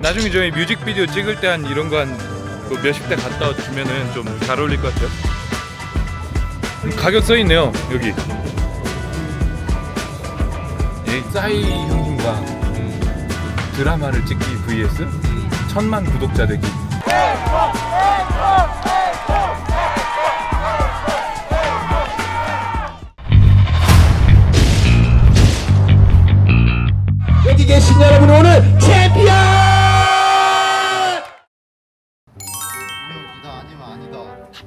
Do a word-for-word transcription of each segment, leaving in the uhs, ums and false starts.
나중에 저희 뮤직비디오 찍을 때 한 이런 거 한 몇십 대 갖다 주면은 좀 잘 어울릴 것 같아요. 가격 써 있네요 여기. 예, 싸이 형님과 드라마를 찍기 vs 천만 구독자 되기. 여기 계신 여러분 오늘 챔피언! 이다 아니면 아니다.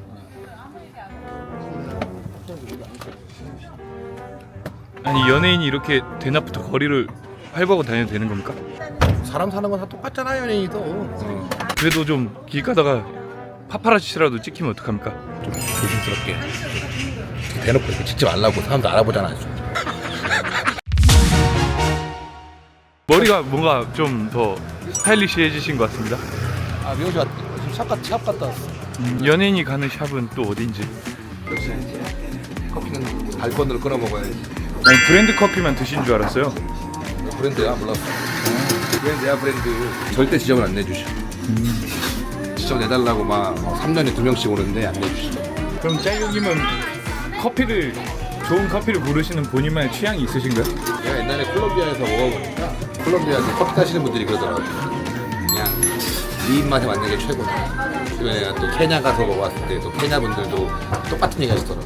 아니 연예인이 이렇게 대낮부터 거리를 활보하고 다녀도 되는 겁니까? 사람 사는 건 다 똑같잖아 연예인이도. 어. 그래도 좀 길 가다가 파파라치라도 찍히면 어떡합니까? 좀 조심스럽게 대놓고 이렇게 찍지 말라고 사람들 알아보잖아. 머리가 뭔가 좀 더 스타일리시해지신 것 같습니다. 아 미호씨 왔 지금 샵, 갔, 샵 갔다 왔어. 음, 연예인이 가는 샵은 또 어딘지. 역시 커피는 발권으로 끊어 먹어야지. 아니 브랜드 커피만 드신 줄 알았어요. 브랜드야 몰랐어. 브랜드야 브랜드. 절대 지적을 안 내주셔. 음. 지적 내달라고 막 삼 년에 두 명씩 오는데 안 내주시죠. 그럼 짤용님은 커피를 좋은 커피를 고르시는 본인만의 취향이 있으신가요? 내가 옛날에 콜롬비아에서 먹어보니까 콜롬비아에서 커피 타시는 분들이 그러더라고. 그냥 네 입맛에 맞는 게 최고다. 그리고 내가 또 케냐 가서 먹어봤을 때 또 케냐 분들도 똑같은 얘기 하시더라고.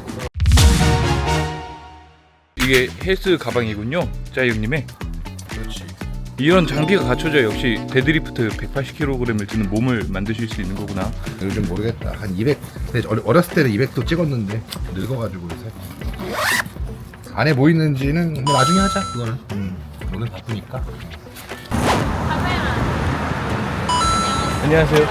이게 헬스 가방이군요, 짜이형님의. 그렇지. 이런 장비가 갖춰져 역시 데드리프트 백팔십 킬로그램을 드는 몸을 만드실 수 있는 거구나. 요즘 모르겠다. 한 이백. 근데 어려- 어렸을 때는 이백도 찍었는데 늙어가지고 요새. 안에 뭐 있는지는 뭐 나중에 하자. 그거는. 음. 오늘 바쁘니까. 안녕하세요.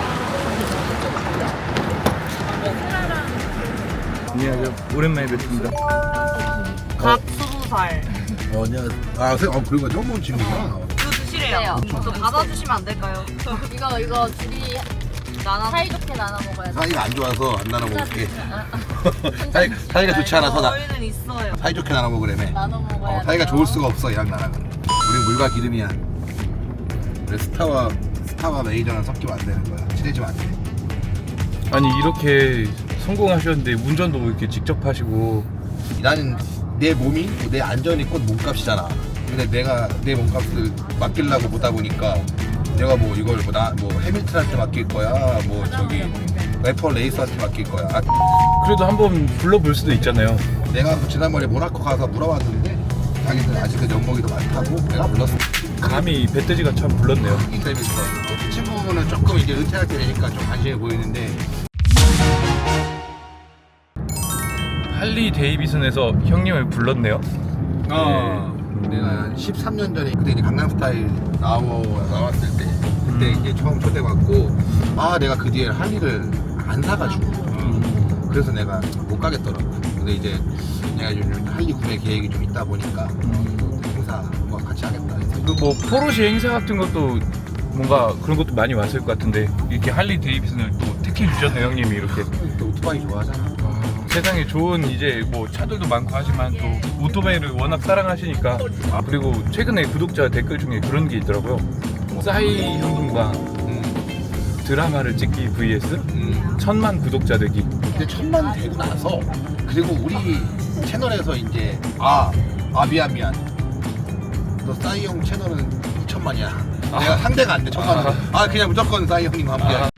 안녕하세요. 오랜만에 뵙습니다. 각 스무 살. 어, 안녕. 아, 세- 어, 그리고 처음 본 친구구나. 이거 드시래요. 저 받아주시면 안 될까요? 이거 이거 둘이 나나 사이좋게 나눠 먹어야 돼. 사이가 안 좋아서 안 나눠 먹을게. 사이, 사이가 좋지 않아서 나 저희는 있어요. 사이좋게 나눠 먹으래매. 나눠 먹어야 어, 돼. 사이가 좋을 수가 없어 얘랑 나랑은. 우린 물과 기름이야. 그래 스타와 스타와 메이저는 섞이면 안 되는 거야. 친해지면 안 돼. 아니 이렇게 성공하셨는데 운전도 이렇게 직접 하시고. 나는 내 몸이 내 안전이 곧 몸값이잖아. 근데 내가 내 몸값을 맡기려고 보다 보니까 내가 뭐 이걸 뭐 나 뭐 해밀턴한테 맡길 거야, 뭐 저기 래퍼 레이스한테 맡길 거야. 아, 그래도 한번 불러볼 수도 있잖아요. 내가 그 지난번에 모나코 가서 물어봤는데 자기는 아직은 연봉이 더 많다고 내가 불렀어. 감히 배때지가 참 불렀네요. 이 재밌어. 이 친구는 조금 이제 은퇴할 때 되니까 좀 관심이 보이는데 할리 데이비슨에서 형님을 불렀네요. 어. 내가 한 십삼 년 전에 그때 이제 강남스타일 나오, 나왔을 때 그때 이제 처음 초대받고 아 내가 그 뒤에 할리를 안 사가지고 그래서 내가 못 가겠더라고. 근데 이제 내가 요즘 할리 구매 계획이 좀 있다 보니까 행사 뭐 같이 하겠다. 그 뭐 포르쉐 행사 같은 것도 뭔가 그런 것도 많이 왔을 것 같은데 이렇게 할리 데이비슨을 또 택해 주셨네요 형님이 이렇게. 또 오토바이 좋아하잖아. 세상에 좋은 이제 뭐 차들도 많고 하지만 또 오토바이를 워낙 사랑하시니까. 아 그리고 최근에 구독자 댓글 중에 그런 게 있더라고요. 싸이 형님과 음, 드라마를 찍기 vs 음. 천만 구독자 되기. 근데 천만 되고 나서 그리고 우리 채널에서 이제 아, 아 미안 미안 너 싸이 형 채널은 이천만이야. 내가 상대가 안 돼 천만은. 아. 아 그냥 무조건 싸이 형님 함께. 아.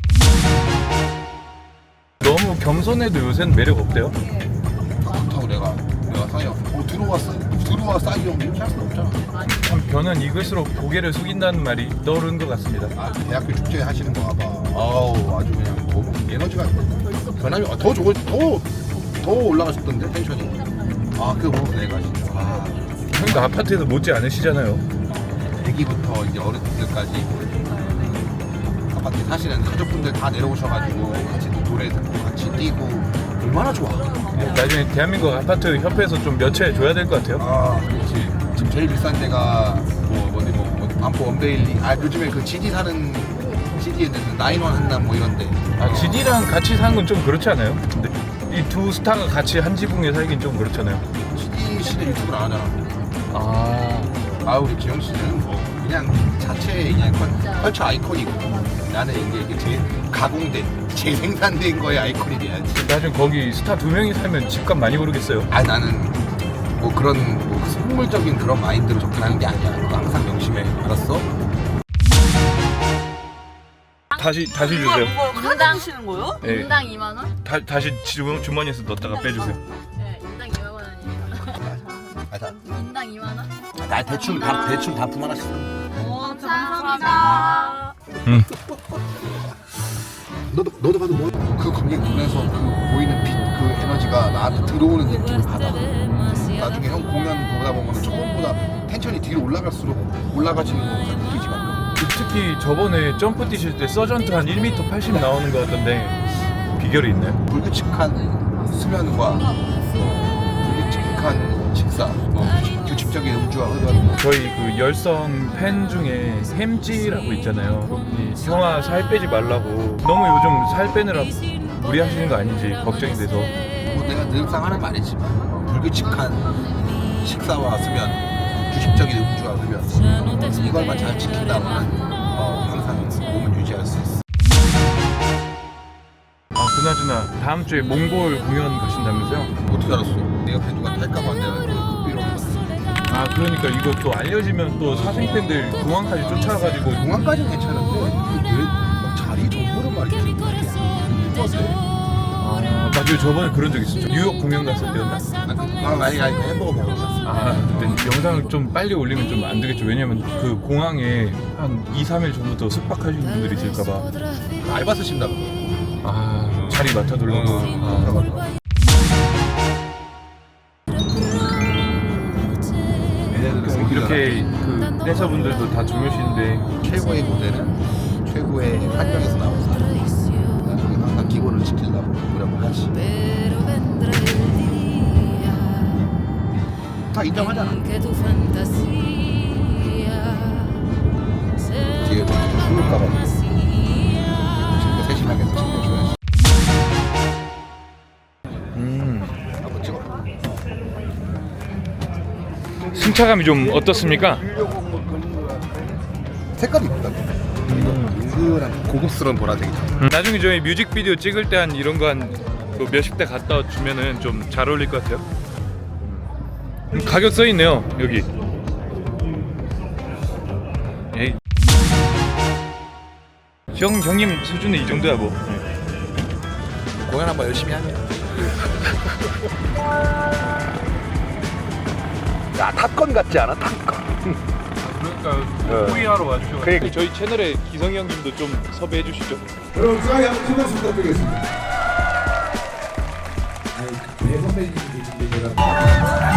너무 겸손해도 요새는 매력 없대요. 그렇다고 내가 내가 싸이 형 어, 들어왔어 들어와 싸이 형 이렇게 할 수 없잖아. 참 변은 익을수록 고개를 숙인다는 말이 떠오르는 것 같습니다. 아 대학교 축제 하시는 거 봐봐. 아우 아주 그냥 너무 에너지가 변함이 아, 더 좋을 더더 올라가셨던데 텐션이. 아 그거 보고 내가 진짜 아. 형도 아파트에서 못지 않으시잖아요. 애기부터 이제 어른들까지 아파트에 사시는 가족분들 다 내려오셔가지고 같이 또 노래 듣고 같이 뛰고 얼마나 좋아. 나중에 대한민국 아파트 협회에서 좀 몇채 줘야 될 것 같아요. 아 그렇지. 지금 제일 비싼 데가 뭐 어디 뭐, 뭐 반포 원베일리. 아 요즘에 그 지디 사는 지디에 나인원 한남 뭐 이런데. 아, 지디랑 같이 사는 건 좀 그렇지 않아요? 근데 이 두 스타가 같이 한 지붕에 살긴 좀 그렇잖아요. 지디 씨는 유튜브를 안 하잖아. 아, 아 우리 기영 씨는 뭐 그냥 자체의 그냥 컬- 컬처 아이콘이고 나는 이제 이게 재 가공된 재생산된 거의 아이콘이 돼야지. 나중에 거기 스타 두 명이 살면 집값 많이 오르겠어요. 아 나는 뭐 그런 뭐 속물적인 그런 마인드로 접근하는 게 아니야. 그거 항상 명심해. 알았어? 다시 다시 주세요. 뭐야 카드 인당- 주시는 거예요? 예. 인당 이만 원? 다, 다시 주, 주머니에서 넣었다가 빼주세요. 네, 인당 이만 원이에요. 아, 다, 인당 이만 원? 나 대충 다 대충 단품 하나씩. 써. 어, 감사합니다. 음. 너도 너도 봐도 뭐 그 관객 눈에서 그 보이는 빛 그 에너지가 나한테 들어오는 느낌을 받아. 나중에 형 공연 보다 보면 처음보다 텐션이 뒤로 올라갈수록 올라가지는 거 느끼지만 특히 저번에 점프 뛰실 때 서전트 한 일 미터 팔십 나오는 거 같던데 비결이 있나요? 불규칙한 수면과 어, 불규칙한 식사, 어, 규칙- 규칙적인 음주와 흡연. 저희 그 열성 팬 중에 햄찌라고 있잖아요. 이 형아 살 빼지 말라고 너무 요즘 살 빼느라 무리하시는 거 아닌지 걱정이 돼서. 뭐 내가 늘상 하는 말이지만 어, 불규칙한 식사와 수면, 규칙적인 음주와 흡연 이걸만 잘 지킨다면 어, 항상 몸을 유지할 수 있어. 아 그나저나 다음 주에 몽골 공연 가신다면서요? 어떻게 알았어? 내 옆에 누가 탈까봐 내가 삐로 아 그러니까 이거 또 알려지면 또 사생팬들 공항까지 쫓아가지고 공항까지는 괜찮은데 왜 자리 정보를 말이지? 아 맞아요 저번에 그런 적 있었죠. 뉴욕 공연 갔을 때였나? 아, 아니 아니 햄버거 먹으러 갔어. 아 근데 영상을 좀 빨리 올리면 좀 안 되겠죠. 왜냐면 그 공항에 한 이, 삼 일 전부터 숙박하시는 분들이 있을까봐. 알바 쓰신다고. 아 자리 맡아두려고. 아. 이렇게 그 댄서분들도 다 주무시는데 최고의 무대는 최고의 환경에서 나온 사람. 나중에 항상 기본을 지키려고 노력을 하지. 다 인정하잖아. 뒤에 죽을까봐 친구 세심하게 챙겨줘야지. 음, 한번 찍어. 승차감이 좀 어떻습니까? 색깔이 이쁘다. 그리고 은근한 고급스러운 보라색이다. 음, 나중에 저희 뮤직비디오 찍을 때 한 이런 거 한 뭐 몇십 대 갖다 주면은 좀 잘 어울릴 것 같아요. 음, 가격 써 있네요 여기. 에이. 형 형님 수준은 이 정도야 뭐. 공연 한번 열심히 하면. 야 탑건 같지 않아? 탑건. 그러니까 호의하러 와주셔서. 그러니까. 저희 채널에 기성이 형님도 좀 섭외해 주시죠. 여러분 중앙에 한번 큰 박수 부탁드리겠습니다. 아니 배 선배님이 계신데 제가